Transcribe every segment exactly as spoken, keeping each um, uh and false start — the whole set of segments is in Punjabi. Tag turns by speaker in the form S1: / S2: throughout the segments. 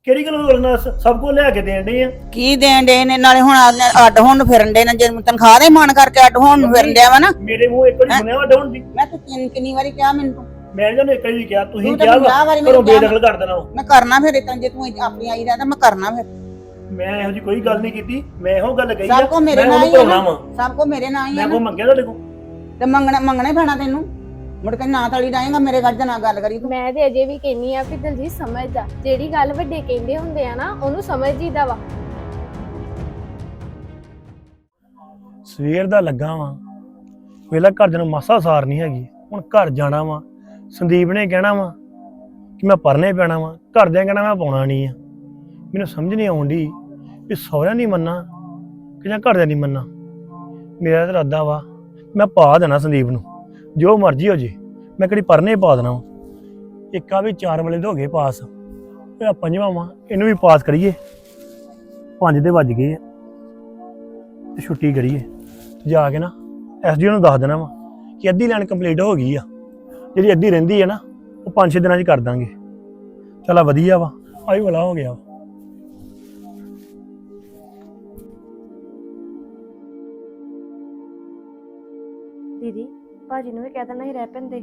S1: ਕਿਹੜੀ ਗੱਲ ਰੋਲਣਾ ਸਭ ਕੁਝ ਲਿਆ ਕੇ ਦੇਣ ਦੇ ਆ।
S2: ਕੀ ਦੇਣ ਦੇ ਨੇ ਨਾਲੇ ਹੁਣ ਆ- ਅੱਡ ਹੋਣ ਨੂੰ ਫਿਰਨ ਦੇ ਨੇ ਜੇ ਤਨਖਾਹ ਦੇ ਮਾਣ ਕਰਕੇ ਅੱਡ ਹੋਣ ਨੂੰ ਫਿਰਨ ਡਿਆ ਵਾ ਨਾ।
S1: ਮੇਰੇ ਮੂੰਹ ਇੱਕ ਵਾਰੀ ਸੁਣਿਆ ਵਾ ਡਾਉਣ ਦੀ।
S2: ਮੈਂ ਤੂੰ ਕਿੰਨੀ ਕਿੰਨੀ ਵਾਰੀ ਕਿਹਾ ਮੈਨੂੰ
S1: ਮੈਂ ਨੀ ਤੁਹਾਨੂੰ ਇੱਕ ਵਾਰੀ ਵੀ ਕਿਹਾ, ਤੁਸੀਂ
S2: ਤੂੰ ਤਾਂ
S1: ਕਿਹਾ
S2: ਪੰਜਾਹ ਵਾਰੀ
S1: ਵਾ
S2: ਮੈਨੂੰ
S1: ਘਰੋਂ
S2: ਕਿਹਾ
S1: ਬੇਦਖਲ ਕਰ ਦੇਣਾ ਵਾ।
S2: ਮੈਂ ਕਰਨਾ ਫਿਰ ਇਤਾਂ ਜੇ ਤੂੰ ਆਪਣੀ ਆਈ ਰਹਿੰਦਾ ਮੈਂ ਕਰਨਾ ਫਿਰ।
S1: ਮੈਂ ਇਹੋ ਜੀ ਕੋਈ ਗੱਲ ਨਹੀਂ ਕੀਤੀ, ਮੈਂ ਇਹੋ ਗੱਲ ਕਹੀ ਆ
S2: ਸਭ ਕੋ ਮੇਰੇ
S1: ਮੈਂ
S2: ਨਾਲ
S1: ਉਹਨੂੰ
S2: ਹੀ ਆ
S1: ਭਰਾਉਣਾ
S2: ਨਾ
S1: ਵਾ।
S2: ਸਭ ਕੋ ਮੇਰੇ ਨਾਲ ਹੀ ਆ
S1: ਮੈਂ
S2: ਨਾ
S1: ਕੋ ਮੰਗਿਆ ਤੁਹਾਡੇ ਕੋਲ
S2: ਤੇ ਮੰਗਣਾ ਮੰਗਣਾ ਹੀ ਪੈਣਾ ਤੈਨੂੰ। ਮੁੜ ਕੇ ਨਾ ਤਲੀ ਜਾਏਗਾ ਮੇਰੇ ਗੱਲ ਨਾਲ ਗੱਲ ਕਰੀ ਤੂੰ।
S3: ਮੈਂ ਤੇ ਅਜੇ ਵੀ ਕਹਿੰਨੀ ਆ ਵੀ ਦਲਜੀਤ ਸਮਝਦਾ, ਜਿਹੜੀ ਗੱਲ ਵੱਡੇ ਕਹਿੰਦੇ ਹੁੰਦੇ ਆ ਨਾ ਉਹਨੂੰ ਸਮਝ ਜੀਦਾ ਵਾ।
S1: ਸਵੇਰ ਦਾ ਲੱਗਾ ਵਾਂ, ਵੇਲਾ ਘਰ ਦੇ ਨੂੰ ਮਾਸਾ ਸਾਰ ਨਹੀਂ ਹੈਗੀ। ਹੁਣ ਘਰ ਜਾਣਾ ਵਾ, ਸੰਦੀਪ ਨੇ ਕਹਿਣਾ ਵਾ ਕਿ ਮੈਂ ਪਰਨੇ ਪੈਣਾ ਵਾ, ਘਰਦਿਆਂ ਕਹਿਣਾ ਮੈਂ ਪਾਉਣਾ ਨਹੀਂ ਆ। ਮੈਨੂੰ ਸਮਝ ਨਹੀਂ ਆਉਂਦੀ ਵੀ ਸਹੁਰਿਆਂ ਨਹੀਂ ਮੰਨਣਾ ਕਿ ਜਾਂ ਘਰਦਿਆਂ ਨਹੀਂ ਮੰਨਣਾ। ਮੇਰਾ ਤਾਂ ਇਰਾਦਾ ਵਾ ਮੈਂ ਪਾ ਦੇਣਾ ਸੰਦੀਪ ਨੂੰ, ਜੋ ਮਰਜ਼ੀ ਹੋ ਜੇ ਮੈਂ ਕਿਹੜੀ ਪਰਨੇ ਪਾ ਦੇਣਾ ਵਾ। ਇੱਕ ਆ ਵੀ ਚਾਰ ਵਾਲੇ ਦੇ ਹੋ ਗਏ ਪਾਸ, ਇਹ ਪੰਜਵਾਂ ਵਾ, ਇਹਨੂੰ ਵੀ ਪਾਸ ਕਰੀਏ। ਪੰਜ ਦੇ ਵੱਜ ਗਏ ਆ ਤੇ ਛੁੱਟੀ ਕਰੀਏ ਜਾ ਕੇ ਨਾ ਐਸਡੀਓ ਨੂੰ ਦੱਸ ਦੇਣਾ ਵਾ ਕਿ ਅੱਧੀ ਲਾਈਨ ਕੰਪਲੀਟ ਹੋ ਗਈ ਆ, ਜਿਹੜੀ ਅੱਧੀ ਰਹਿੰਦੀ ਹੈ ਨਾ ਉਹ ਪੰਜ ਛੇ ਦਿਨਾਂ 'ਚ ਕਰ ਦਾਂਗੇ। ਚਲਾ ਵਧੀਆ ਵਾ, ਆਈ ਵਾਲਾ ਹੋ ਗਿਆ।
S4: ਦੀਦੀ ਭਾਜੀ ਨੂੰ ਵੀ ਕਹਿ ਦੇਣਾ ਹੀ ਰਹਿ ਪੈਂਦੇ।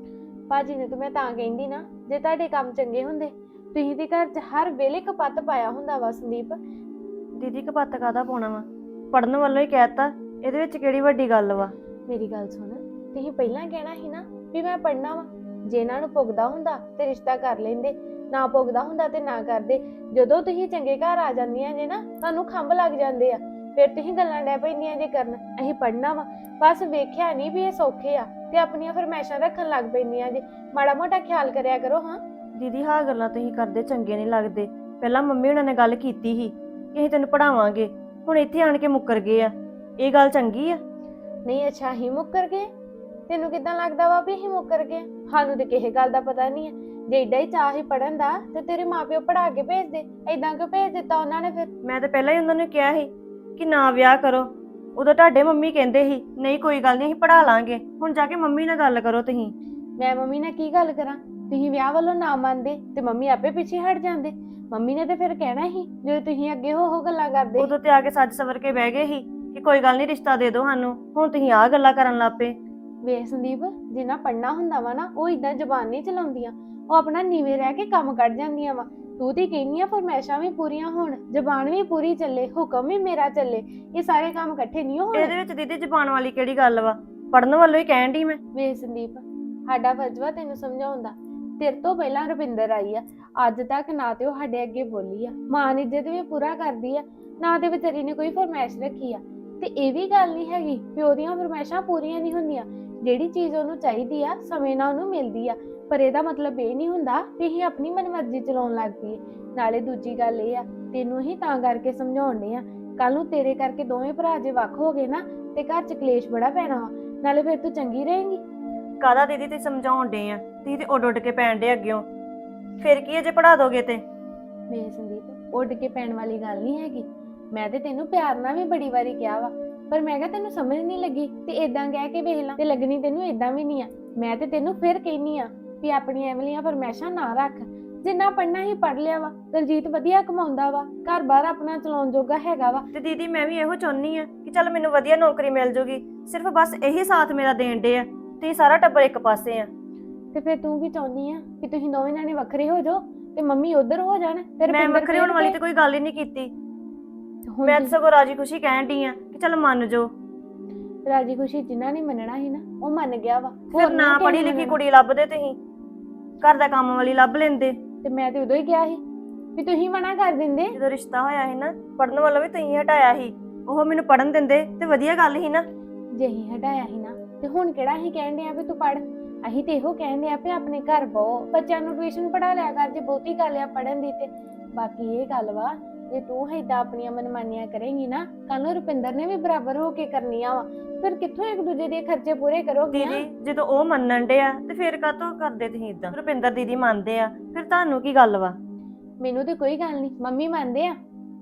S3: ਭਾਜੀ ਨੇ ਤਾਂ ਮੈਂ ਤਾਂ ਕਹਿੰਦੀ ਨਾ, ਜੇ ਤੁਹਾਡੇ ਕੰਮ ਚੰਗੇ ਹੁੰਦੇ ਤੁਸੀਂ ਤੇ ਘਰ 'ਚ ਹਰ ਵੇਲੇ ਕਪੱਤ ਪਾਇਆ ਹੁੰਦਾ ਵਾ। ਸੰਦੀਪ
S4: ਦੀਦੀ ਕਪੱਤ ਕਾਹਦਾ ਪਾਉਣਾ ਵਾ, ਪੜਨ ਵੱਲੋਂ ਹੀ ਕਹਿਤਾ, ਇਹਦੇ ਵਿੱਚ ਕਿਹੜੀ ਵੱਡੀ ਗੱਲ ਵਾ।
S3: ਮੇਰੀ ਗੱਲ ਸੁਣ, ਤੁਸੀਂ ਪਹਿਲਾਂ ਕਹਿਣਾ ਸੀ ਨਾ ਵੀ ਮੈਂ ਪੜਨਾ ਵਾ। ਜੇ ਇਹਨਾਂ ਨੂੰ ਪੁੱਗਦਾ ਹੁੰਦਾ ਤੇ ਰਿਸ਼ਤਾ ਕਰ ਲੈਂਦੇ, ਨਾ ਪੁੱਗਦਾ ਹੁੰਦਾ ਤੇ ਨਾ ਕਰਦੇ। ਜਦੋਂ ਤੁਸੀਂ ਚੰਗੇ ਘਰ ਆ ਜਾਂਦੀਆਂ ਜੇ ਨਾ, ਤੁਹਾਨੂੰ ਖੰਭ ਲੱਗ ਜਾਂਦੇ ਆ, ਫਿਰ ਤੁਸੀਂ ਗੱਲਾਂ ਡੈ ਪੈਂਦੀਆਂ ਜੇ ਕਰਨ ਅਸੀਂ ਪੜਨਾ ਵਾ। ਬਸ ਵੇਖਿਆ ਨਹੀਂ ਵੀ ਇਹ ਸੌਖੇ ਆ ਤੇ ਆਪਣੀਆਂ ਫਰਮਾਇਸ਼ਾਂ ਰੱਖਣ ਲੱਗ ਪੈਂਦੀਆਂ ਜੇ। ਮਾੜਾ ਮੋਟਾ ਖਿਆਲ ਕਰਿਆ ਕਰੋ। ਹਾਂ
S4: ਦੀਦੀ ਹਾਂ ਗੱਲਾਂ ਤੁਸੀਂ ਕਰਦੇ ਚੰਗੇ ਨਹੀਂ ਲੱਗਦੇ। ਪਹਿਲਾਂ ਮੰਮੀ ਉਹਨਾਂ ਨੇ ਗੱਲ ਕੀਤੀ ਸੀ ਕਿ ਅਸੀਂ ਤੈਨੂੰ ਪੜਾਵਾਂਗੇ, ਹੁਣ ਇੱਥੇ ਆਣ ਕੇ ਮੁੱਕਰ ਗਏ ਆ। ਇਹ ਗੱਲ ਚੰਗੀ ਆ?
S3: ਨਹੀਂ ਅੱਛਾ ਹੀ ਮੁੱਕਰ ਗਏ? ਤੈਨੂੰ ਕਿੱਦਾਂ ਲੱਗਦਾ ਵਾ ਵੀ ਅਸੀਂ ਮੁੱਕਰ ਗਏ? ਸਾਨੂੰ ਤੇ ਕਿਸੇ ਗੱਲ ਦਾ ਪਤਾ ਨਹੀਂ ਹੈ। ਜੇ ਏਡਾ ਹੀ ਚਾਹ ਹੀ ਪੜਨ ਦਾ ਤੇ ਤੇਰੇ ਮਾਪਿਓ ਪੜਾ ਕੇ ਭੇਜਦੇ, ਏਦਾਂ ਕਿਉਂ ਭੇਜ ਦਿੱਤਾ ਉਹਨਾਂ ਨੇ? ਫਿਰ
S4: ਮੈਂ ਤਾਂ ਪਹਿਲਾਂ ਹੀ ਉਹਨਾਂ ਨੂੰ ਕਿਹਾ ਸੀ ਕਿ ਨਾ ਵਿਆਹ ਕਰੋ। ਉਦੋਂ ਤੁਹਾਡੇ ਮੰਮੀ ਕਹਿੰਦੇ ਸੀ ਨਹੀਂ ਕੋਈ ਗੱਲ ਨਹੀਂ ਅਸੀਂ ਪੜਾ ਲਾਂਗੇ। ਹੁਣ ਜਾ ਕੇ ਮੰਮੀ ਨਾਲ ਗੱਲ ਕਰੋ ਤੁਸੀਂ।
S3: ਮੈਂ ਮੰਮੀ ਨਾਲ ਕੀ ਗੱਲ ਕਰਾਂ? ਤੁਸੀਂ ਵਿਆਹ ਵੱਲੋਂ ਨਾ ਮੰਨਦੇ ਤੇ ਮੰਮੀ ਆਪੇ ਪਿੱਛੇ ਹਟ ਜਾਂਦੇ। ਮੰਮੀ ਨੇ ਤੇ ਫਿਰ ਕਹਿਣਾ ਸੀ ਜਦੋਂ ਤੁਸੀਂ ਅੱਗੇ ਹੋ ਹੋ ਗੱਲਾਂ ਕਰਦੇ।
S4: ਉਦੋਂ ਤੇ ਆ ਕੇ ਸੱਜ ਸਵਰ ਕੇ ਬਹਿ ਗਏ ਸੀ ਕਿ ਕੋਈ ਗੱਲ ਨਹੀਂ ਰਿਸ਼ਤਾ ਦੇ ਦਿਓ ਸਾਨੂੰ। ਹੁਣ ਤੁਸੀਂ ਆਹ ਗੱਲਾਂ ਕਰਨ ਲੱਗ ਪਏ।
S3: ਵੇਖ ਸੰਦੀਪ, ਜਿੰਨਾ ਪੜਨਾ ਹੁੰਦਾ ਵਾ ਨਾ ਉਹ ਇਦਾਂ ਜ਼ੁਬਾਨ ਨਹੀਂ ਚਲਾਉਂਦੀਆਂ, ਉਹ ਆਪਣਾ ਨੀਵੇਂ ਰਹਿ ਕੇ ਕੰਮ ਕੱਢ ਜਾਂਦੀਆਂ ਵਾ। ਤੂੰ ਤੇ ਕਹਿੰਦੀ ਆ ਫਰਮਾਇਸ਼ਾਂ ਵੀ ਪੂਰੀਆਂ ਹੋਣ, ਜ਼ੁਬਾਨ ਵੀ ਪੂਰੀ ਚੱਲੇ, ਹੁਕਮ ਵੀ ਮੇਰਾ ਚੱਲੇ। ਇਹ ਸਾਰੇ ਕੰਮ ਇਕੱਠੇ ਨਹੀਂ ਹੋਣੇ।
S4: ਇਹਦੇ ਵਿੱਚ ਦੀਦੀ ਜ਼ੁਬਾਨ ਵਾਲੀ ਕਿਹੜੀ ਗੱਲ ਵਾ? ਪੜਨ ਵੱਲੋਂ ਹੀ ਕਹਿਣ ਡਈ ਮੈਂ।
S3: ਵੇਖ ਸੰਦੀਪ, ਸਾਡਾ ਫਰਜ਼ ਵਾ ਤੈਨੂੰ ਸਮਝਾਉਣ ਦਾ। ਤੇਰੇ ਤੋਂ ਪਹਿਲਾਂ ਰੁਪਿੰਦਰ ਆਈ ਆ, ਅੱਜ ਤੱਕ ਨਾ ਤੇ ਉਹ ਸਾਡੇ ਅੱਗੇ ਬੋਲੀ ਆ, ਮਾਂ ਦੀ ਇੱਜ਼ਤ ਵੀ ਪੂਰਾ ਕਰਦੀ ਆ, ਨਾ ਤੇ ਵਿਚਾਰੀ ਨੇ ਕੋਈ ਫਰਮਾਇਸ਼ ਰੱਖੀ ਆ। ਤੇ ਇਹ ਵੀ ਗੱਲ ਨਹੀਂ ਹੈਗੀ ਪਿਓ ਦੀਆਂ ਫਰਮਾਇਸ਼ਾਂ ਪੂਰੀਆਂ ਨਹੀਂ ਹੁੰਦੀਆਂ। ਜਿਹੜੀ ਚੀਜ਼ ਉਹਨੂੰ ਚਾਹੀਦੀ ਆ ਸਮੇਂ ਨਾਲ ਉਹਨੂੰ ਮਿਲਦੀ ਆ, ਪਰ ਇਹਦਾ ਮਤਲਬ ਇਹ ਨਹੀਂ ਹੁੰਦਾ ਕਿ ਅਸੀਂ ਆਪਣੀ ਮਨਮਰਜ਼ੀ ਚਲਾਉਣ ਲੱਗ ਪਈਏ। ਨਾਲੇ ਦੂਜੀ ਗੱਲ ਇਹ ਆ, ਤੈਨੂੰ ਹੀ ਤਾਂ ਕਰਕੇ ਸਮਝਾਉਣੇ ਆ, ਕੱਲ ਨੂੰ ਤੇਰੇ ਕਰਕੇ ਦੋਵੇਂ ਭਰਾ ਜੇ ਵੱਖ ਹੋ ਗਏ ਨਾ ਤੇ ਘਰ 'ਚ ਕਲੇਸ਼ ਬੜਾ ਪੈਣਾ ਵਾ। ਨਾਲੇ ਫਿਰ ਤੂੰ ਚੰਗੀ ਰਹੇਂਗੀ।
S4: ਕਾਹਦਾ ਦੀਦੀ ਤੁਸੀਂ ਸਮਝਾਉਣ ਡੇ ਆ? ਤੁਸੀਂ ਤੇ ਉੱਡ ਉੱਡ ਕੇ ਪੈਣ ਡੇ ਅੱਗਿਓਂ। ਫਿਰ ਕੀ ਜੇ ਪੜਾ ਦੋਗੇ ਤੇ?
S3: ਮੇਰੇ ਸੰਦੀਪ, ਉੱਡ ਕੇ ਪੈਣ ਵਾਲੀ ਗੱਲ ਨਹੀਂ ਹੈਗੀ। ਮੈਂ ਤੇ ਤੈਨੂੰ ਪਿਆਰ ਨਾਲ ਵੀ ਬੜੀ ਵਾਰੀ ਕਿਹਾ ਵਾ, ਪਰ ਮੈਂ ਕਿਹਾ ਤੈਨੂੰ ਸਮਝ ਨਹੀਂ ਲੱਗੀ ਤੇ ਏਦਾਂ ਕਹਿ ਕੇ ਵੇਖ ਲਾ, ਤੇ ਲੱਗਣੀ ਤੈਨੂੰ ਏਦਾਂ ਵੀ ਨਹੀਂ ਆ। ਮੈਂ ਤੇ ਤੈਨੂੰ ਫਿਰ ਕਹਿਨੀ ਆ ਵੀ ਆਪਣੀਆਂ ਐਵਲੀਆਂ ਫਰਮਾਇਸ਼ਾਂ ਨਾ ਰੱਖ। ਜਿੰਨਾ ਪੜਨਾ ਹੀ ਪੜ ਲਿਆ ਵਾ। ਦਲਜੀਤ ਵਧੀਆ ਕਮਾਉਂਦਾ ਵਾ, ਘਰ ਬਾਹਰ ਆਪਣਾ ਚਲਾਉਣ ਜੋਗਾ ਹੈਗਾ ਵਾ।
S4: ਤੇ ਦੀਦੀ ਮੈਂ ਵੀ ਇਹੋ ਚਾਹੁੰਨੀ ਆ ਕਿ ਚੱਲ ਮੈਨੂੰ ਵਧੀਆ ਨੌਕਰੀ ਮਿਲ ਜੂਗੀ। ਸਿਰਫ ਬਸ ਇਹੀ ਸਾਥ ਮੇਰਾ ਦੇਣ ਡੇ ਆ। ਤੁਸੀਂ ਸਾਰਾ ਟੱਬਰ ਇੱਕ ਪਾਸੇ ਆ।
S3: ਤੇ ਫਿਰ ਤੂੰ ਕੀ ਚਾਹੁੰਦੀ ਆ ਕਿ ਤੁਸੀਂ ਦੋਵੇਂ ਜਾਣੇ ਵੱਖਰੇ ਹੋ ਜਾਓ ਤੇ ਮੰਮੀ ਉਧਰ ਹੋ ਜਾਣ? ਤੇ
S4: ਮੈਂ ਵੱਖਰੇ ਹੋਣ ਵਾਲੀ ਤੇ ਕੋਈ ਗੱਲ ਹੀ ਨਹੀਂ ਕੀਤੀ। ਮੈਂ ਤਾਂ ਸਗੋਂ ਰਾਜੀ ਖੁਸ਼ੀ ਕਹਿਣ ਡਈ ਆ ਕਿ ਚੱਲ ਮੰਨ ਜਾਓ।
S3: ਰਾਜੀ ਖੁਸ਼ੀ ਜਿਨ੍ਹਾਂ ਨੇ ਮੰਨਣਾ ਸੀ ਨਾ ਉਹ ਮੰਨ ਗਿਆ ਵਾ।
S4: ਫਿਰ ਨਾ ਪੜ੍ਹੀ ਲਿਖੀ ਕੁੜੀ ਲੱਭਦੇ ਤੁਸੀਂ, ਘਰ ਦਾ ਕੰਮ ਵਾਲੀ ਲੱਭ ਲੈਂਦੇ।
S3: ਤੇ ਮੈਂ ਤੇ ਉਦੋਂ ਹੀ ਕਿਹਾ ਸੀ ਵੀ ਤੁਸੀਂ ਮਨਾ ਕਰ ਦਿੰਦੇ।
S4: ਜਦੋਂ ਰਿਸ਼ਤਾ ਹੋਇਆ ਸੀ ਨਾ, ਪੜਨ ਵੱਲੋਂ ਵੀ ਤੁਸੀਂ ਹਟਾਇਆ ਸੀ। ਉਹ ਮੈਨੂੰ ਪੜਨ ਦਿੰਦੇ ਤੇ ਵਧੀਆ ਗੱਲ ਸੀ ਨਾ।
S3: ਜੇ ਅਸੀਂ ਹਟਾਇਆ ਸੀ ਨਾ ਤੇ ਹੁਣ ਕਿਹੜਾ ਅਸੀਂ ਕਹਿਣ ਡਏ ਆ ਵੀ ਤੂੰ ਪੜ? ਅਸੀਂ ਤੇ ਇਹੋ ਕਹਿੰਦੇ ਆ ਵੀ ਆਪਣੇ ਘਰ ਬਹੁ, ਬੱਚਿਆਂ ਨੂੰ ਟਿਊਸ਼ਨ ਪੜਾ ਲਿਆ ਕਰ ਜੇ ਬਹੁਤੀ ਗੱਲ ਆ ਪੜਨ ਦੀ। ਤੇ ਬਾਕੀ ਇਹ ਗੱਲ ਵਾ, ਜੇ ਤੂੰ ਏਦਾਂ ਆਪਣੀਆਂ ਮਨਮਾਨੀਆਂ ਕਰੇਂਗੀ ਨਾ, ਕੱਲ ਨੂੰ ਰੁਪਿੰਦਰ ਨੇ ਵੀ ਬਰਾਬਰ ਹੋ ਕੇ ਕਰਨੀਆਂ ਵਾ। ਫਿਰ ਕਿੱਥੋਂ ਇੱਕ ਦੂਜੇ ਦੇ ਖਰਚੇ ਪੂਰੇ ਕਰੋਗੇ?
S4: ਦੀਦੀ ਜਦੋਂ ਉਹ ਮੰਨਣ ਡੇ ਆ ਤੇ ਫਿਰ ਕਾਹਤੋਂ ਕਰਦੇ ਤੁਸੀਂ ਇਦਾਂ? ਰੁਪਿੰਦਰ ਦੀਦੀ ਮੰਨਦੇ ਆ, ਫਿਰ ਤੁਹਾਨੂੰ ਕੀ ਗੱਲ ਵਾ?
S3: ਮੈਨੂੰ ਤੇ ਕੋਈ ਗੱਲ ਨਹੀਂ, ਮੰਮੀ ਮੰਨਦੇ ਆ।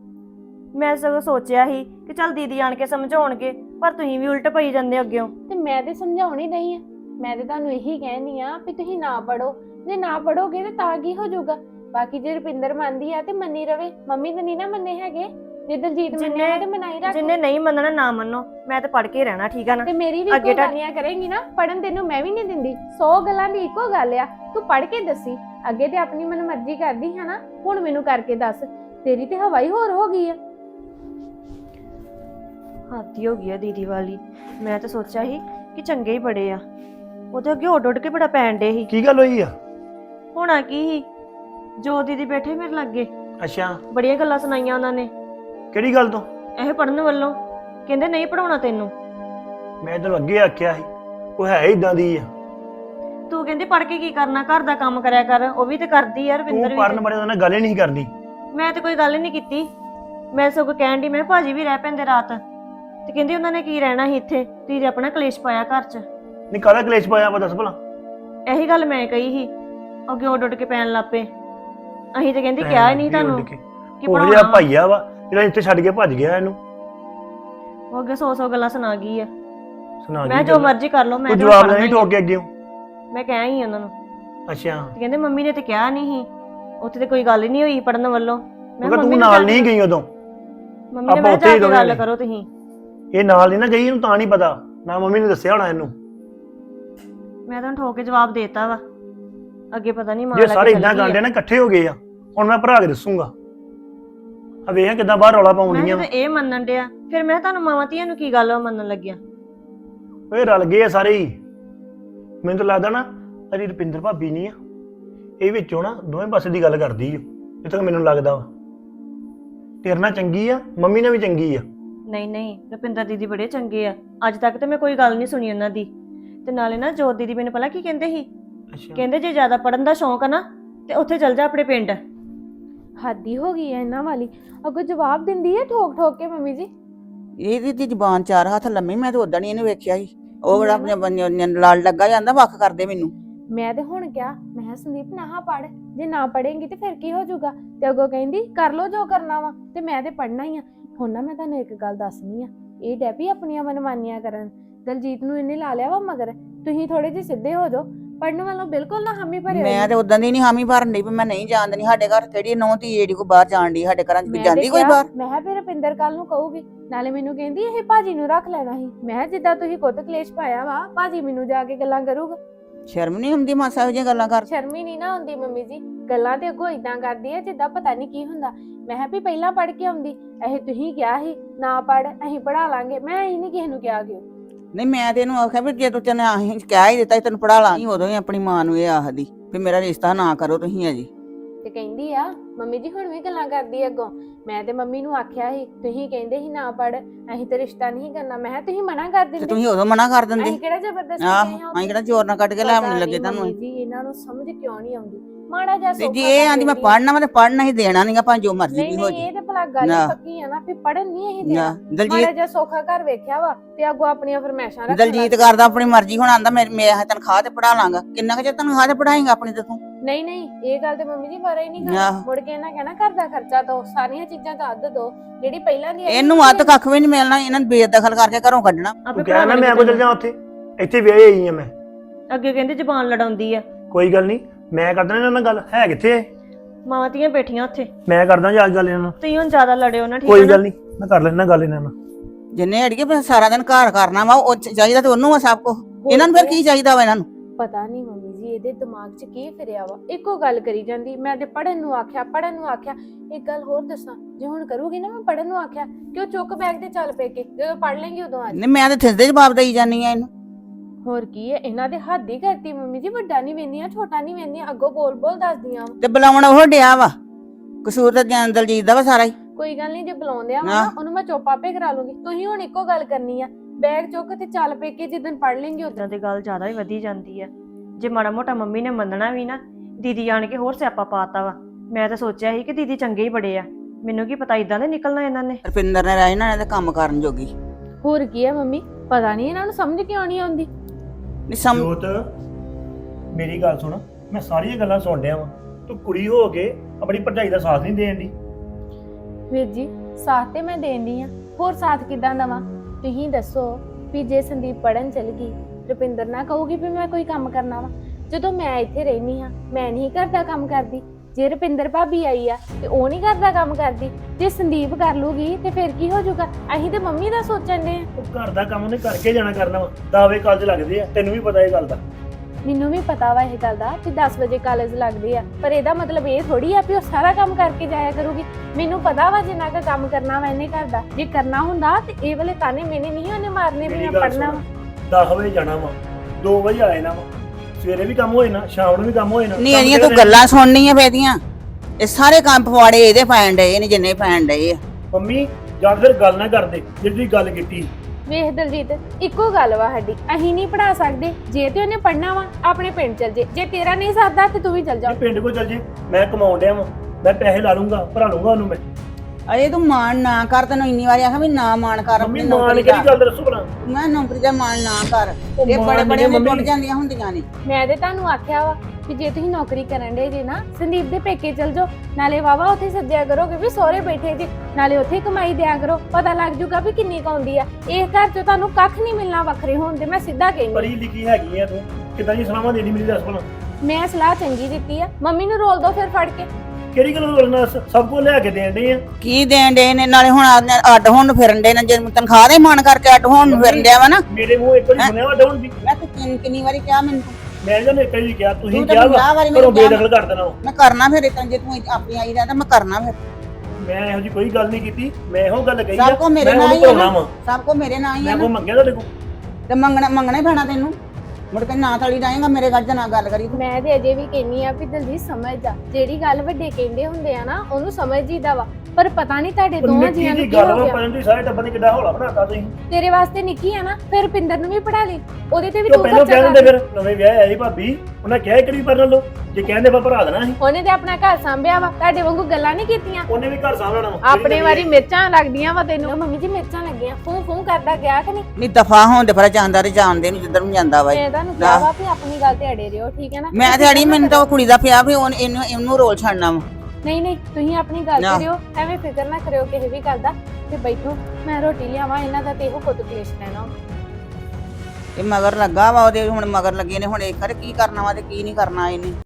S4: ਮੈਂ ਸਗੋਂ ਸੋਚਿਆ ਸੀ ਕਿ ਚੱਲ ਦੀਦੀ ਆਣ ਕੇ ਸਮਝਾਉਣਗੇ, ਪਰ ਤੁਸੀਂ ਵੀ ਉਲਟ ਪਈ ਜਾਂਦੇ ਅੱਗਿਓਂ।
S3: ਤੇ ਮੈਂ ਤੇ ਸਮਝਾਉਣ ਹੀ ਨਹੀਂ ਆ। ਮੈਂ ਤੇ ਤੁਹਾਨੂੰ ਇਹੀ ਕਹਿੰਦੀ ਆ ਵੀ ਤੁਸੀਂ ਨਾ ਪੜੋ। ਜੇ ਨਾ ਪੜੋਗੇ ਤੇ ਤਾਂ ਕੀ ਹੋ ਜਾਊਗਾ? ਬਾਕੀ ਜੇ ਰੁਪਿੰਦਰ ਮੰਨਦੀ ਆ ਤੇ ਮੰਨੀ ਰਵੇ, ਮੰਮੀ ਤਾਂ ਨਹੀਂ ਨਾ ਮੰਨੇ ਹੈਗੇ। ਜੇ ਦਲਜੀਤ ਮੰਨਿਆ
S4: ਜਿੰਨੇ-
S3: ਤੇ ਮਨਾਈ ਰੱਖ।
S4: ਜਿੰਨੇ ਨਹੀਂ ਮੰਨਣਾ ਨਾ ਮੰਨੋ, ਮੈਂ ਤਾਂ ਪੜ ਕੇ ਰਹਿਣਾ, ਠੀਕ ਆ ਨਾ।
S3: ਤੇ ਮੇਰੀ ਵੀ
S4: ਅੱਗੇ
S3: ਇੱਕੋ
S4: ਤਾਂ-
S3: ਗੱਲਾਂ ਕਰੇਂਗੀ ਨਾ, ਪੜਨ ਤੈਨੂੰ ਮੈਂ ਵੀ ਨਹੀਂ ਦਿੰਦੀ। ਸੌ ਗੱਲਾਂ ਦੀ ਇੱਕੋ ਗੱਲ ਆ, ਤੂੰ ਪੜ ਕੇ ਦੱਸੀ। ਅੱਗੇ ਤੇ ਆਪਣੀ ਮਨਮਰਜ਼ੀ ਕਰਦੀ ਹੈ ਨਾ, ਹੁਣ ਮੈਨੂੰ ਕਰਕੇ ਦੱਸ। ਤੇਰੀ ਤੇ ਹਵਾਈ ਹੋਰ ਹੋ ਗਈ ਆ।
S4: ਹਾਦੀ ਹੋ ਗਈ ਆ ਦੀਦੀ ਵਾਲੀ। ਮੈਂ ਤਾਂ ਸੋਚਿਆ ਸੀ ਕਿ ਚੰਗੇ ਹੀ ਬੜੇ ਆ, ਉਹਦੇ ਅੱਗੇ ਉੱਡ ਉੱਡ ਕੇ ਬੜਾ ਪੈਣ ਡੇ ਸੀ।
S1: ਕੀ ਗੱਲ ਹੋਈ ਆ?
S4: ਹੋਣਾ ਕੀ ਸੀ, ਜੋ ਦੀਦੀ ਬੈਠੇ ਮੇਰੇ ਲਾਗੇ,
S1: ਅੱਛਾ,
S4: ਬੜੀਆਂ ਗੱਲਾਂ ਸੁਣਾਈਆਂ ਉਹਨਾਂ ਨੇ
S1: ਕਿਹੜੀ ਗੱਲ ਤੋਂ?
S4: ਇਹ ਪੜਨ ਵੱਲੋਂ। ਕਹਿੰਦੇ ਨਹੀਂ ਪੜਾਉਣਾ ਤੈਨੂੰ।
S1: ਮੈਂ ਤੈਨੂੰ ਅੱਗੇ ਆਖਿਆ ਸੀ ਉਹ ਹੈ ਇਦਾਂ ਦੀ ਆ।
S4: ਤੂੰ ਕਹਿੰਦੀ ਪੜ ਕੇ ਕੀ ਕਰਨਾ, ਘਰ ਦਾ ਕੰਮ ਕਰਿਆ ਕਰ। ਉਹ ਵੀ ਤੇ ਕਰਦੀ ਯਾਰ, ਰਵਿੰਦਰ
S1: ਤੂੰ
S4: ਵੀ
S1: ਪੜਨ
S4: ਤੇ।
S1: ਬੜੇ ਉਹਦੇ ਨਾਲ ਗੱਲ ਹੀ ਨਹੀਂ ਕਰਦੀ।
S4: ਮੈਂ ਤੇ ਕੋਈ ਗੱਲ ਹੀ ਨਹੀਂ ਕੀਤੀ। ਮੈਂ ਸਗੋਂ ਕਹਿਣ ਦੀ, ਮੈਂ ਕਿਹਾ ਭਾਜੀ ਵੀ ਰਹਿ ਪੈਂਦੇ ਰਾਤ, ਤੇ ਕਹਿੰਦੀ ਉਹਨਾਂ ਨੇ ਕੀ ਰਹਿਣਾ ਸੀ ਇੱਥੇ, ਤੁਸੀਂ ਤੇ ਆਪਣਾ ਕਲੇਸ਼ ਪਾਇਆ ਘਰ 'ਚ।
S1: ਨਹੀਂ ਕਾਹਦਾ ਕਲੇਸ਼ ਪਾਇਆ ਵਾ ਦੱਸ ਭਲਾ।
S4: ਇਹੀ ਗੱਲ ਮੈਂ ਕਹੀ ਸੀ, ਅੱਗੇ ਉੱਡ ਉੱਡ ਕੇ ਪੈਣ ਲੱਪੇ। ਅਸੀਂ ਤੇ ਕਹਿੰਦੀ ਕਿਹਾ ਹੀ ਨਹੀਂ ਤੁਹਾਨੂੰ ਕਿ
S1: ਉਹ ਜਿਹਾ
S4: ਪੜਾਉਣਾ।
S1: ਭਾਈਆ ਵਾ ਜਿਹੜਾ ਇੱਥੇ ਛੱਡ ਕੇ ਭੱਜ ਗਿਆ ਇਹਨੂੰ।
S4: ਉਹ ਅੱਗੇ ਸੌ ਸੌ ਗੱਲਾਂ ਸੁਣਾ ਗਈ ਆ।
S1: ਸੁਣਾ
S4: ਮੈਂ
S1: ਕੀ
S4: ਜੋ
S1: ਗੱਲ?
S4: ਮਰਜ਼ੀ ਕਰ ਲਓ, ਮੈਂ
S1: ਤੂੰ
S4: ਤਾਂ
S1: ਜਵਾਬ
S4: ਪੜ੍ਹਨਾ
S1: ਨਹੀਂ
S4: ਹੀ
S1: ਠੋਕ ਕੇ ਅੱਗੇ।
S4: ਮੈਂ ਕਿਹਾ ਹੀ ਉਹਨਾਂ ਨੂੰ।
S1: ਅੱਛਾ,
S4: ਤੇ ਕਹਿੰਦੇ ਮੰਮੀ ਨੇ ਤੇ ਕਿਹਾ ਨਹੀਂ ਸੀ, ਉੱਥੇ ਤੇ ਕੋਈ ਗੱਲ ਹੀ ਨਹੀਂ ਹੋਈ ਪੜਨ ਵੱਲੋਂ।
S1: ਮੈਂ ਕਿਹਾ ਤੂੰ ਨਾਲ ਨਹੀਂ ਗਈ ਉਦੋਂ।
S4: ਮੰਮੀ ਨੇ
S1: ਆਪਾਂ
S4: ਮੈਂ
S1: ਉੱਥੇ
S4: ਜਾ
S1: ਹੀ
S4: ਕੇ
S1: ਦੋਵੇਂ
S4: ਗੱਲ
S1: ਨੇ।
S4: ਕਰੋ ਤੁਸੀਂ।
S1: ਇਹ ਨਾਲ ਨਹੀਂ ਨਾ ਗਈ, ਇਹਨੂੰ ਤਾਂ ਨਹੀਂ ਪਤਾ ਨਾ, ਮੰਮੀ ਨੇ ਦੱਸਿਆ ਹੋਣਾ ਇਹਨੂੰ।
S4: ਮੈਂ ਤਾਂ ਠੋਕ ਕੇ ਜਵਾਬ ਦੇਤਾ ਵਾ। ਅੱਗੇ ਪਤਾ ਨਹੀਂ ਮਾਂ
S1: ਜੇ ਸਾਰੇ ਇਦਾਂ ਗਾਂਡੇ ਨਾ ਇਕੱਠੇ ਹੋ ਗਏ ਆ, ਹੁਣ ਮੈਂ ਭਰਾ ਕੇ ਦੱਸੂਗਾ। ਆ ਵੇਖ ਕਿਦਾਂ ਬਾਹਰ ਰੌਲਾ ਪਾਉਂਦੀਆਂ।
S4: ਮੈਂ ਇਹ ਮੰਨਣ ਡਿਆ, ਫਿਰ ਮੈਂ ਤੁਹਾਨੂੰ ਮਾਵਾਂ ਧੀਆਂ ਨੂੰ ਕੀ ਗੱਲ ਵਾ ਮੰਨਣ ਲੱਗਿਆ।
S1: ਓਏ ਰਲ ਗਏ ਆ ਸਾਰੇ ਹੀ। ਮੈਨੂੰ ਤਾਂ ਲੱਗਦਾ ਨਾ ਅਰੀ ਰੁਪਿੰਦਰ ਭਾਬੀ ਨਹੀਂ ਆ, ਇਹ ਵਿੱਚੋਂ ਨਾ ਦੋਵੇਂ ਪਾਸੇ ਦੀ ਗੱਲ ਕਰਦੀ ਓ, ਜਿੱਥੇ ਤੱਕ ਮੈਨੂੰ ਲੱਗਦਾ ਵਾ। ਤੇਰੇ ਨਾਲ ਚੰਗੀ ਆ, ਮੰਮੀ ਨਾਲ ਵੀ ਚੰਗੀ ਆ।
S4: ਨਹੀਂ ਨਹੀਂ, ਰੁਪਿੰਦਰ ਦੀਦੀ ਬੜੇ ਚੰਗੇ ਆ। ਅੱਜ ਤੱਕ ਤੇ ਮੈਂ ਕੋਈ ਗੱਲ ਨਹੀਂ ਸੁਣੀ ਉਹਨਾਂ ਦੀ। ਤੇ ਨਾਲੇ ਨਾ ਜੋਤ ਦੀਦੀ ਮੈਨੂੰ ਪਹਿਲਾਂ ਕੀ ਕਹਿੰਦੇ ਸੀ,
S1: ਅੱਛਾ,
S4: ਕਹਿੰਦੇ ਜੇ ਜ਼ਿਆਦਾ ਪੜਨ ਦਾ ਸ਼ੌਂਕ ਆ ਨਾ ਤੇ ਉੱਥੇ ਚਲ ਜਾ ਆਪਣੇ ਪਿੰਡ।
S3: ਹੱਦੀ ਹੋ ਗਈ ਐ ਇਹਨਾਂ ਵਾਲੀ। ਅੱਗੋਂ ਜਵਾਬ ਦਿੰਦੀ ਐ ਠੋਕ ਠੋਕ ਕੇ ਮੰਮੀ ਜੀ।
S2: ਇਹਦੀ ਤੇ ਜ਼ਬਾਨ ਚਾਰ ਹੱਥ ਲੰਮੀ। ਮੈਂ ਤਾਂ ਉਦੋਂ ਨਹੀਂ ਇਹਨੂੰ ਵੇਖਿਆ ਸੀ। ਉਹ ਬੜਾ ਆਪਣੇ ਬੰਦੇ ਲੜ ਲੱਗਾ ਜਾਂਦਾ, ਵੱਖ ਕਰਦੇ ਮੈਨੂੰ।
S3: ਮੈਂ ਤੇ ਹੁਣ ਕਿਹਾ, ਮੈਂ ਕਿਹਾ ਸੰਦੀਪ ਨਾ ਪੜ, ਜੇ ਨਾ ਪੜੇਂਗੀ ਤੇ ਫਿਰ ਕੀ ਹੋ ਜਾਊਗਾ। ਤੇ ਅੱਗੋਂ ਕਹਿੰਦੀ ਕਰ ਲੋ ਜੋ ਕਰਨਾ ਵਾ, ਤੇ ਮੈਂ ਤੇ ਪੜਨਾ ਹੀ ਆ। ਹੁਣ ਨਾ ਮੈਂ ਤੁਹਾਨੂੰ ਇੱਕ ਗੱਲ ਦੱਸਣੀ ਆ, ਇਹ ਡੈਪੀ ਆਪਣੀਆਂ ਮਨਮਾਨੀਆਂ ਕਰਨ। ਦਲਜੀਤ ਨੂੰ ਇਹਨੇ ਲਾ ਲਿਆ ਵਾ ਮਗਰ। ਤੁਸੀਂ ਥੋੜੇ ਜਿਹੇ ਸਿੱਧੇ ਹੋ ਜਾਓ, ਪੜਨ ਵੱਲੋਂ ਬਿਲਕੁਲ ਨਾ ਹਾਮੀ ਭਰਿਓ।
S2: ਮੈਂ ਤੇ ਉਦੋਂ ਦੀ ਨਹੀਂ ਹਾਮੀ ਭਰਨ ਡਈ ਵੀ ਮੈਂ ਨਹੀਂ ਜਾਣ ਦੇਣੀ। ਸਾਡੇ ਘਰ ਕਿਹੜੀ ਨੌਂ ਧੀ ਜਿਹੜੀ ਕੋ ਬਾਹਰ ਜਾਣ ਡਈ, ਸਾਡੇ ਘਰਾਂ 'ਚ ਕੋਈ
S3: ਮੈਂ
S2: ਜਾਂਦੀ
S3: ਤੇ
S2: ਕੋਈ
S3: ਕਿਹਾ,
S2: ਬਾਹਰ।
S3: ਮੈਂ ਕਿਹਾ ਫਿਰ ਰੁਪਿੰਦਰ ਕੱਲ ਨੂੰ ਕਹੂਗੀ। ਨਾਲੇ ਮੈਨੂੰ ਕਹਿੰਦੀ ਇਹ ਭਾਜੀ ਨੂੰ ਰੱਖ ਲੈਣਾ ਸੀ। ਮੈਂ ਕਿਹਾ ਜਿੱਦਾਂ ਤੁਸੀਂ ਖੁਦ ਕਲੇਸ਼ ਪਾਇਆ ਵਾ, ਭਾਜੀ ਮੈਨੂੰ ਜਾ ਕੇ ਗੱਲਾਂ ਕਰੂਗਾ।
S2: ਸ਼ਰਮ ਨਹੀਂ ਹੁੰਦੀ ਮਾਸਾ ਇਹੋ ਜਿਹੀਆਂ ਗੱਲਾਂ ਕਰ।
S3: ਸ਼ਰਮੀ ਨਹੀਂ ਨਾ ਹੁੰਦੀ ਮੰਮੀ ਜੀ। ਗੱਲਾਂ ਤੇ ਅੱਗੋਂ ਇਦਾਂ ਕਰਦੀ ਹੈ ਜਿੱਦਾਂ ਪਤਾ ਨਹੀਂ ਕੀ ਹੁੰਦਾ। ਮੈਂ ਕਿਹਾ ਵੀ ਪਹਿਲਾਂ ਪੜ ਕੇ ਆਉਂਦੀ। ਇਹ ਤੁਸੀਂ ਕਿਹਾ ਸੀ ਨਾ ਪੜ, ਅਸੀਂ ਪੜਾ ਲਾਂਗੇ। ਮੈਂ ਅਸੀਂ ਨਹੀਂ ਕਿਸੇ ਨੂੰ ਕਿਹਾ ਕਿ
S2: ਨਹੀਂ, ਮੈਂ ਤੇ ਇਹਨੂੰ ਆਖਿਆ ਵੀ ਜੇ ਤੂੰ ਤੈਨੂੰ ਅਸੀਂ ਕਹਿ ਹੀ ਦਿੱਤਾ ਤੈਨੂੰ ਪੜਾ ਲਾਂ, ਉਦੋਂ ਹੀ ਆਪਣੀ ਮਾਂ ਨੂੰ ਇਹ ਆਖਦੀ ਵੀ ਮੇਰਾ ਰਿਸ਼ਤਾ ਨਾ ਕਰੋ ਤੁਸੀਂ ਅਜੇ।
S3: ਤੇ ਕਹਿੰਦੀ ਆ ਮੰਮੀ ਜੀ ਹੁਣ ਵੀ ਗੱਲਾਂ ਕਰਦੀ ਆ ਅੱਗੋਂ। ਮੈਂ ਤੇ ਮੰਮੀ ਨੂੰ ਆਖਿਆ ਸੀ, ਤੁਸੀਂ ਕਹਿੰਦੇ ਸੀ ਨਾ ਪੜ, ਅਸੀਂ ਤੇ ਰਿਸ਼ਤਾ ਨਹੀਂ ਕਰਨਾ। ਮੈਂ ਕਿਹਾ ਤੁਸੀਂ ਮਨਾ ਕਰ
S2: ਤੇ
S3: ਦਿੰਦੇ।
S2: ਤੁਸੀਂ ਉਦੋਂ ਮਨਾ ਕਰ ਦਿੰਦੇ।
S3: ਅਸੀਂ ਕਿਹੜਾ ਜ਼ਬਰਦਸਤੀ
S2: ਆਹ
S3: ਕਹੇ ਹਾਂ।
S2: ਅਸੀਂ ਕਿਹੜਾ ਜ਼ੋਰ ਨਾਲ ਕੱਢ ਕੇ ਲੈ ਆਉਣ ਲੱਗੇ ਤੁਹਾਨੂੰ।
S3: ਜੀ ਇਹਨਾਂ ਨੂੰ ਸਮਝ ਕਿਉਂ ਨਹੀਂ ਆਉਂਦੀ। ਮਾੜਾ ਜਿਹਾ
S2: ਤੇ
S3: ਸੌਖਾ
S2: ਜੀ ਇਹ ਆਂਦੀ ਮੈਂ
S3: ਕਰ
S2: ਪੜਨਾ ਵਾ ਤੇ ਪੜਨਾ ਹੀ ਦੇਣਾ ਨਹੀਂਗਾ, ਭਾਵੇਂ ਜੋ ਮਰਜ਼ੀ
S3: ਨਹੀਂ
S2: ਵੀ ਹੋ
S3: ਨਹੀਂ,
S2: ਜੇ।
S3: ਇਹ ਤੇ ਭਲਾ ਗੱਲ
S2: ਨਾ।
S3: ਪੱਕੀ ਆ ਨਾ ਵੀ ਪੜਨ ਨਹੀਂ ਅਸੀਂ
S2: ਨਾ,
S3: ਦੇਣਾ। ਮਾੜਾ
S2: ਦਲਜੀਤ
S3: ਜਿਹਾ ਸੌਖਾ ਘਰ ਵੇਖਿਆ ਵਾ ਤੇ ਅੱਗੋਂ ਆਪਣੀਆਂ ਫਰਮਾਇਸ਼ਾਂ ਰੱਖਣ
S2: ਦਲਜੀਤ
S3: ਲੱਗ
S2: ਕਰਦਾ ਆਪਣੀ ਮਰਜ਼ੀ। ਹੁਣ ਆਂਦਾ ਮੈਂ ਮੈਂ ਤਨਖਾਹ ਤੇ ਪੜਾ ਲਾਂਗਾ। ਕਿੰਨਾ ਕੁ ਚਿਰ ਤਨਖਾਹ ਤੇ ਪੜਾਏਂਗਾ ਆਪਣੀ ਤੇ ਤੂੰ?
S3: ਨਹੀਂ ਨਹੀਂ, ਇਹ ਗੱਲ ਤੇ ਮੰਮੀ ਜੀ ਬਾਰੇ ਹੀ ਨਹੀਂ ਕਰਨੀ।
S2: ਆਹ।
S3: ਮੁੜ ਕੇ ਇਹਨਾਂ ਕਹਿਣਾ ਘਰ ਦਾ ਖਰਚਾ ਦੋ, ਸਾਰੀਆਂ ਚੀਜ਼ਾਂ ਦਾ ਅੱਧ ਦੋ। ਜਿਹੜੀ ਪਹਿਲਾਂ ਦੀ
S2: ਇਹਨੂੰ ਅੱਧ ਕੱਖ ਵੀ ਨਹੀਂ ਮਿਲਣਾ, ਇਹਨਾਂ ਨੂੰ ਬੇਦਖਲ ਕਰਕੇ ਘਰੋਂ ਕੱਢਣਾ।
S4: ਆਪੇ
S1: ਤੂੰ ਕਹਿ ਨਾ
S4: ਭਰਾਵਾਂ
S1: ਮੈਂ ਕੋ ਚਲ ਜਾ ਉੱਥੇ, ਇੱਥੇ ਵਿਆਹੀ ਆਈ ਆ ਮੈਂ।
S4: ਅੱਗੇ ਕਹਿੰਦੇ ਜ਼ਬਾਨ ਲੜਾਉਂਦੀ ਆ।
S1: ਕੋਈ ਗੱਲ ਨਹੀਂ, ਮੈਂ ਕਰਦਾ ਇਹਨਾਂ ਨਾਲ ਗੱਲ। ਹੈ ਕਿੱਥੇ?
S4: ਮਾਵਾਂ ਧੀਆਂ ਬੈਠੀਆਂ ਉੱਥੇ,
S1: ਮੈਂ ਕਰਦਾ ਜਾ ਗੱਲ ਇਹਨਾਂ ਨਾਲ।
S4: ਤੁਸੀਂ ਹੁਣ ਜ਼ਿਆਦਾ ਲੜਿਓ ਨਾ, ਠੀਕ
S1: ਕੋਈ
S4: ਹੈ
S1: ਗੱਲ
S4: ਨਾ?
S1: ਨਹੀਂ, ਮੈਂ ਕਰ ਲੈਣਾ ਗੱਲ ਇਹਨਾਂ ਨਾਲ।
S2: ਜਿੰਨੇ ਅੜੀਏ ਫਿਰ ਸਾਰਾ ਦਿਨ ਘਰ ਕਰਨਾ ਵਾ, ਉਹ ਚਾਹੀਦਾ ਤੇ ਉਹਨੂੰ ਆ ਸਭ ਕੁਝ। ਇਹਨਾਂ ਨੂੰ ਫਿਰ ਕੀ ਚਾਹੀਦਾ ਵਾ ਇਹਨਾਂ ਨੂੰ?
S3: ਪਤਾ ਨਹੀਂ ਮੰਮੀ ਜੀ ਇਹਦੇ ਦਿਮਾਗ 'ਚ ਕੀ ਫਿਰਿਆ ਵਾ। ਇੱਕੋ ਗੱਲ ਕਰੀ ਜਾਂਦੀ, ਮੈਂ ਤੇ ਪੜਨ ਨੂੰ ਆਖਿਆ, ਪੜਨ ਨੂੰ ਆਖਿਆ। ਇੱਕ ਗੱਲ ਹੋਰ ਦੱਸਾਂ, ਜੇ ਹੁਣ ਕਰੂਗੀ ਨਾ ਮੈਂ ਪੜਨ ਨੂੰ ਆਖਿਆ ਕਿ ਉਹ ਚੁੱਕ ਬੈਗ ਤੇ ਚੱਲ ਪਏ ਕੇ ਜਦੋਂ ਪੜ ਲੈਂਗੀ ਉਦੋਂ ਆ ਜਾਈਂ।
S2: ਨਹੀਂ, ਮੈਂ ਤੇ ਥਿਸਦੇ ਜਵਾਬ ਦੇਈ ਜਾਨੀ ਆ ਇਹਨੂੰ।
S3: ਹੋਰ ਕੀ ਹੈ, ਇਹਨਾਂ ਦੇ ਹੱਦ ਹੀ ਕਰਤੀ ਮੰਮੀ ਜੀ। ਵੱਡਾ ਨਹੀਂ ਵੇਂਦੀਆਂ, ਛੋਟਾ ਨਹੀਂ ਵੇਂਦੀਆਂ, ਅੱਗੋਂ ਬੋਲ ਬੋਲ ਦੱਸਦੀਆਂ।
S2: ਤੇ ਬੁਲਾਉਣਾ ਉਹ ਡਿਆ ਵਾ, ਕਸੂਰ ਤਾਂ ਜਾਨ ਦਲਜੀਤ ਦਾ ਵਾ ਸਾਰਾ ਹੀ।
S3: ਕੋਈ ਗੱਲ ਨਹੀਂ, ਜੇ ਬੁਲਾਉਂਦੇ ਆ ਵਾ ਨਾ ਉਹਨੂੰ ਮੈਂ ਚੁੱਪ ਆਪੇ ਕਰਾ ਲੂੰਗੀ। ਤੁਸੀਂ ਹੁਣ ਇੱਕੋ ਗੱਲ ਕਰਨੀ ਆ, ਬੈਗ ਚੁੱਕ ਤੇ ਚੱਲ ਪਏ ਕੇ ਜਿੱਦਣ ਪੜ ਲੈਂਗੀ ਉਦੋਂ।
S4: ਇਦਾਂ ਦੀ ਗੱਲ ਜ਼ਿਆਦਾ ਹੀ ਵਧੀ ਜਾਂਦੀ ਆ। ਜੇ ਮਾੜਾ ਮੋਟਾ ਮੰਮੀ ਨੇ ਮੰਨਣਾ ਵੀ ਨਾ, ਦੀਦੀ ਆਣ ਕੇ ਹੋਰ ਸਿਆਪਾ ਪਾਤਾ ਵਾ। ਮੈਂ ਤਾਂ ਸੋਚਿਆ ਸੀ ਕਿ ਦੀਦੀ ਚੰਗੇ ਹੀ ਬੜੇ ਆ, ਮੈਨੂੰ ਕੀ ਪਤਾ ਇਦਾਂ ਦੇ ਨਿਕਲਣਾ ਇਹਨਾਂ ਨੇ।
S2: ਰੁਪਿੰਦਰ ਨੇ ਰਹਿ ਇਹਨਾਂ ਨੇ ਕੰਮ ਕਰਨ ਜੋਗੀ।
S3: ਹੋਰ ਕੀ ਹੈ ਮੰਮੀ, ਪਤਾ ਨਹੀਂ ਇਹਨਾਂ ਨੂੰ ਸਮਝ ਕਿਉਂ ਨਹੀਂ ਆਉਂਦੀ।
S2: ਨਹੀਂ ਸਮ
S1: ਜੋਤ, ਮੇਰੀ ਗੱਲ ਸੁਣ, ਮੈਂ ਸਾਰੀਆਂ ਗੱਲਾਂ ਸੁਣ ਡਿਆ ਵਾਂ। ਤੂੰ ਕੁੜੀ ਹੋ ਕੇ ਆਪਣੀ ਭਰਜਾਈ ਦਾ ਸਾਥ ਨਹੀਂ ਦੇਣ ਦੀ।
S3: ਵੀਰ ਜੀ ਸਾਥ ਤੇ ਮੈਂ ਦੇਣੀ ਆ, ਹੋਰ ਸਾਥ ਕਿਦਾਂ ਦਵਾਂ? ਤੁਸੀਂ ਦੱਸੋ ਵੀ ਜੇ ਸੰਦੀਪ ਪੜਨ ਚਲ ਗਈ, ਰੁਪਿੰਦਰ ਨਾ ਕਹੂਗੀ ਵੀ ਮੈਂ ਕੋਈ ਕੰਮ ਕਰਨਾ ਵਾ। ਜਦੋਂ ਮੈਂ ਇੱਥੇ ਰਹਿਣੀ ਆ, ਮੈਂ ਨਹੀਂ ਘਰ ਦਾ ਕੰਮ ਕਰਦੀ। ਜੇ ਰੁਪਿੰਦਰ ਭਾਬੀ ਆਈ ਆ ਤੇ ਉਹ ਨਹੀਂ ਕਰਦਾ ਕੰਮ ਕਰਦੀ, ਜੇ ਸੰਦੀਪ ਕਰ ਲੂਗੀ ਤੇ ਫਿਰ ਕੀ ਹੋ ਜਾਊਗਾ? ਅਸੀਂ ਤੇ ਮੰਮੀ ਦਾ ਸੋਚਣ ਦੇ ਆ।
S1: ਉਹ ਘਰ ਦਾ ਕੰਮ ਉਹਨੇ ਕਰਕੇ ਜਾਣਾ ਕਰਨਾ ਵਾ, ਦਾਵੇ ਕਾਲਜ ਲੱਗਦੇ ਆ, ਤੈਨੂੰ ਵੀ ਪਤਾ ਇਹ ਗੱਲ ਦਾ।
S3: ਮੈਨੂੰ ਵੀ ਪਤਾ ਵਾ ਇਹ ਗੱਲ ਦਾ ਕਿ ਦਸ ਵਜੇ ਕਾਲਜ ਲੱਗਦੇ ਆ, ਪਰ ਇਹਦਾ ਮਤਲਬ ਇਹ ਥੋੜੀ ਆ ਵੀ ਉਹ ਸਾਰਾ ਕੰਮ ਕਰਕੇ ਜਾਇਆ ਕਰੂਗੀ। ਮੈਨੂੰ ਪਤਾ ਵਾ ਜਿੰਨਾ ਕੁ ਕੰਮ ਕਰਨਾ ਵਾ ਇਹਨੇ ਘਰ ਦਾ, ਜੇ ਕਰਨਾ ਹੁੰਦਾ ਤੇ ਇਹ ਵਾਲੇ ਤਾਨੇ ਮੈਨੇ ਨਹੀਂ ਉਹਨੇ ਮਾਰਨੇ ਵੀ ਮੈਂ ਪੜਨਾ ਵਾ।
S1: ਦਸ ਵਜੇ ਜਾਣਾ ਵਾ, ਦੋ ਵਜੇ ਆਏ ਨਾ ਵਾ, ਸਵੇਰੇ ਵੀ ਕੰਮ ਹੋਏ ਨਾ, ਸ਼ਾਮ ਨੂੰ ਵੀ ਕੰਮ ਹੋਏ ਨਾ।
S2: ਨਹੀਂ ਇਹਦੀਆਂ ਤੂੰ ਗੱਲਾਂ ਸੁਣਨੀਆਂ ਫੇਦੀਆਂ, ਇਹ ਸਾਰੇ ਕੰਮ ਪਵਾੜੇ ਇਹਦੇ ਪੈਣ ਡਏ ਨੇ ਜਿੰਨੇ ਪੈਣ ਡਏ ਆ।
S1: ਮੰਮੀ ਜਾਂ ਫਿਰ ਗੱਲ ਨਾ ਕਰਦੇ ਜਿਹੜੀ ਗੱਲ ਕੀਤੀ।
S3: ਵੇਖ ਦਲਜੀਤ, ਇੱਕੋ ਗੱਲ ਵਾ ਸਾਡੀ, ਅਸੀਂ ਨਹੀਂ ਪੜਾ ਸਕਦੇ। ਜੇ ਤੇ ਉਹਨੇ ਪੜਨਾ ਵਾ ਆਪਣੇ ਪਿੰਡ ਚਲ ਜੇ, ਜੇ ਤੇਰਾ ਨਹੀਂ ਸਰਦਾ ਤੇ ਤੂੰ ਵੀ ਚਲ ਜਾ।
S1: ਪਿੰਡ ਕੋ ਚੱਲ ਜੇ, ਮੈਂ ਕਮਾਉਣ ਡਿਆ ਵਾ, ਮੈਂ ਪੈਸੇ ਲਾ ਲੂੰਗਾ, ਭਰਾ ਲੂੰਗਾ ਉਹਨੂੰ ਮੈਂ।
S2: ਅਰੇ ਤੂੰ ਮਾਣ ਨਾ ਕਰ, ਤੈਨੂੰ ਇੰਨੀ ਵਾਰੀ ਆਖਿਆ ਵੀ ਨਾ ਮਾਣ ਕਰ
S1: ਮੰਮੀ
S2: ਆਪਣੀ
S1: ਮਾਂ ਨੇ
S2: ਨੌਕਰੀ
S1: ਕਿਹੜੀ
S2: ਦਾ।
S1: ਗੱਲ ਦੱਸੋ ਭਲਾ?
S2: ਮੈਂ ਨੌਕਰੀ ਦਾ ਮਾਣ ਨਾ ਕਰ,
S1: ਉਹ
S2: ਇਹ
S1: ਮਾਣ
S2: ਬੜੇ ਬੜੇ
S1: ਮੰਮੀ-
S2: ਟੁੱਟ ਜਾਂਦੀਆਂ ਹੁੰਦੀਆਂ ਨੇ।
S3: ਮੈਂ ਤੇ ਤੁਹਾਨੂੰ ਆਖਿਆ ਵਾ ਕਿ ਜੇ ਤੁਸੀਂ ਨੌਕਰੀ ਕਰਨ ਦੇ ਜੇ ਨਾ, ਸੰਦੀਪ ਦੇ ਪੇਕੇ ਚਲ ਜਾਓ, ਨਾਲੇ ਵਾਵਾ ਉੱਥੇ ਸੱਜਿਆ ਕਰੋਗੇ ਵੀ ਸਹੁਰੇ ਬੈਠੇ ਜੇ, ਨਾਲੇ ਉੱਥੇ ਕਮਾਈ ਦਿਆ ਕਰੋ, ਪਤਾ ਲੱਗ ਜੂਗਾ ਵੀ ਕਿੰਨੀ ਕਾਉਂਦੀ ਆ। ਇਸ ਘਰ ਚੋਂ ਤੁਹਾਨੂੰ ਕੱਖ ਨਹੀਂ ਮਿਲਣਾ ਵੱਖਰੇ ਹੋਣ ਦੇ, ਮੈਂ ਸਿੱਧਾ ਕਹਿੰਦੀ।
S1: ਪੜ੍ਹੀ ਲਿਖੀ ਹੈਗੀ ਆ ਤੂੰ, ਕਿੱਦਾਂ ਦੀ ਸਲਾਹਾਂ ਦੇਣੀ ਮੇਰੀ ਦੱਸ ਭਲਾ?
S3: ਮੈਂ ਸਲਾਹ ਚੰਗੀ ਦਿੱਤੀ ਆ, ਮੰਮੀ ਨੂੰ ਰੋਲ ਦੋ ਫਿਰ ਫੜ ਕੇ।
S1: ਕਿਹੜੀ ਗੱਲ ਬੋਲਣਾ? ਸਭ ਕੁਝ ਲਿਆ ਕੇ ਦੇਣ ਦੇ ਆ।
S2: ਕੀ ਦੇਣ ਡੇ ਨੇ, ਨਾਲੇ ਹੁਣ ਆ- ਅੱਡ ਹੋਣ ਨੂੰ ਫਿਰਨ ਡੇ ਨੇ, ਜੇ ਤਨਖਾਹ ਦੇ ਮਾਣ ਕਰਕੇ ਅੱਡ ਹੋਣ ਨੂੰ ਫਿਰਨ ਡਿਆ ਵਾ ਨਾ।
S1: ਮੇਰੇ ਮੂੰਹ ਇੱਕ ਵਾਰੀ ਸੁਣਿਆ ਵਾ ਡਾਉਣ ਦੀ।
S2: ਮੈਂ ਤੇ ਕਿੰਨੀ ਕਿੰਨੀ ਵਾਰੀ ਕਿਹਾ ਮੈਨੂੰ,
S1: ਮੈਂ ਜਦੋਂ ਇੱਕ ਵਾਰੀ ਕਿਹਾ, ਤੁਸੀਂ
S2: ਤੂੰ ਤਾਂ
S1: ਕਿਹਾ
S2: ਪੰਜਾਹ ਵਾਰੀ
S1: ਵਾ
S2: ਮੈਨੂੰ
S1: ਘਰੋਂ ਬੇਦਖਲ ਕਰ ਦੇਣਾ ਵਾ।
S2: ਮੈਂ ਕਰਨਾ ਫਿਰ ਇਤਾਂ, ਜੇ ਤੂੰ ਆਪਣੀ ਆਈ ਰਹਿ ਤਾਂ ਮੈਂ ਕਰਨਾ ਫਿਰ।
S1: ਮੈਂ ਇਹੋ ਜੀ ਕੋਈ ਗੱਲ ਨਹੀਂ ਕੀਤੀ, ਮੈਂ ਇਹੋ ਗੱਲ ਕਹੀ
S2: ਸਭ ਕੋ ਮੇਰੇ ਨਾਲ ਹੀ ਆ
S1: ਪੜਾਉਣਾ
S2: ਨਾ,
S1: ਵਾ।
S2: ਸਭ ਕੋ ਮੇਰੇ ਨਾਲ ਹੀ ਆ
S1: ਮੈਂ
S2: ਨਾ।
S1: ਕੋ ਮੰਗਿਆ ਤੁਹਾਡੇ ਕੋਲ?
S2: ਤੇ ਮੰਗਣਾ ਮੰਗਣਾ ਹੀ ਪੈਣਾ ਤੈਨੂੰ, ਮੁੜ ਕੇ ਨਾ ਤਲੀ ਜਾਏਗਾ ਮੇਰੇ ਗੱਲ 'ਚ ਨਾ ਗੱਲ ਕਰੀ ਤੂੰ।
S3: ਮੈਂ ਤੇ ਅਜੇ ਵੀ ਕਹਿੰਨੀ ਆ ਵੀ ਦਲਜੀਤ ਸਮਝ ਜਾ, ਜਿਹੜੀ ਗੱਲ ਵੱਡੇ ਕਹਿੰਦੇ ਹੁੰਦੇ ਆ ਨਾ ਉਹਨੂੰ ਸਮਝ ਜੀਦਾ ਵਾ, ਪਰ ਪਤਾ ਨਹੀਂ ਤੁਹਾਡੇ ਦੋਵਾਂ
S1: ਨਿੱਕੀ
S3: ਜੀਆਂ ਨੂੰ
S1: ਦੀ
S3: ਕੀ
S1: ਗੱਲ
S3: ਹੋ
S1: ਵਾ,
S3: ਗਿਆ।
S1: ਪਰ ਤੁਸੀਂ ਸਾਰੇ ਟੱਬਰ ਨੇ ਕਿੱਡਾ ਹੌਲਾ ਬਣਾਤਾ ਤੁਸੀਂ।
S3: ਤੇਰੇ ਵਾਸਤੇ ਨਿੱਕੀ ਆ ਨਾ, ਫਿਰ ਪਿੰਦਰ ਨੂੰ ਵੀ ਪੜਾ ਲਈ, ਉਹਦੇ ਤੇ ਵੀ
S1: ਕਿਉਂ
S3: ਤੂੰ
S1: ਪਹਿਲਾਂ
S3: ਖਰਚਾ
S1: ਕਹਿੰਦੇ
S3: ਕਰ।
S1: ਫਿਰ ਨਵੇਂ ਵਿਆਹ ਆਈ ਭਾਬੀ, ਉਹਨਾਂ ਕਿਹਾ ਇੱਕ ਵੀ ਪੜਨ ਲਓ, ਜੇ ਕਹਿੰਦੇ ਆਪਾਂ ਭਰਾ ਦੇਣਾ ਸੀ।
S3: ਉਹਨੇ ਤੇ ਆਪਣਾ ਘਰ ਸੰਭਿਆ ਵਾ, ਤੁਹਾਡੇ ਵਾਂਗੂ ਗੱਲਾਂ ਨਹੀਂ ਕੀਤੀਆਂ।
S1: ਉਹਨੇ ਵੀ ਘਰ ਸਾਂਭਣਾ ਵਾ।
S3: ਆਪਣੇ ਵਾਰੀ ਮਿਰਚਾਂ ਲੱਗਦੀਆਂ ਵਾ ਤੈਨੂੰ। ਮੰਮੀ ਜੀ ਮਿਰਚਾਂ ਲੱਗੀਆਂ, ਫੂੰ ਫੂੰ ਕਰਦਾ ਗਿਆ ਕਿ ਨਹੀਂ?
S2: ਨਹੀਂ ਦਫਾ ਹੋਣ ਦੇ ਫਿਰ ਜਾਂਦਾ ਤੇ ਜਾਣਦੇ ਨਹੀਂ ਜਿੱਧਰ ਨੂੰ ਜਾਂਦਾ ਵਾ ਇਹ।
S3: ਮੈਂ ਤੁਹਾਨੂੰ ਕਿਹਾ ਵਾ ਵੀ ਆਪਣੀ ਗੱਲ ਤੇ ਅੜੇ ਰਹੋ, ਠੀਕ ਹੈ ਨਾ?
S2: ਮੈਂ ਤੇ ਅੜੀ, ਮੈਨੂੰ ਤਾਂ ਉਹ ਕੁੜੀ ਦਾ ਪਿਆ ਵੀ ਉਹਨ- ਇਹਨੂੰ ਇਹਨੂੰ ਰੋਲ ਛੱਡਣਾ ਵਾ।
S3: ਨਹੀਂ ਨਹੀਂ, ਤੁਸੀਂ ਆਪਣੀ ਗੱਲ
S2: ਨਾ।
S3: ਤੇ ਰਹੋ, ਐਵੇਂ ਫਿਕਰ ਨਾ ਕਰਿਓ ਕਿਸੇ ਵੀ ਗੱਲ ਦਾ, ਤੇ ਬੈਠੋ ਮੈਂ ਰੋਟੀ ਲਿਆਵਾਂ। ਇਹਨਾਂ ਦਾ ਤੇ ਇਹੋ ਕੁੱਤ ਕਲੇਸ਼ ਰਹਿਣਾ।
S2: ਇਹ ਮਗਰ ਲੱਗਾ ਵਾ ਉਹਦੇ, ਹੁਣ ਮਗਰ ਲੱਗੇ ਨੇ, ਹੁਣ ਇਹ ਕਰ ਕੀ ਕਰਨਾ ਵਾ ਤੇ ਕੀ ਨਹੀਂ ਕਰਨਾ ਇਹਨੇ।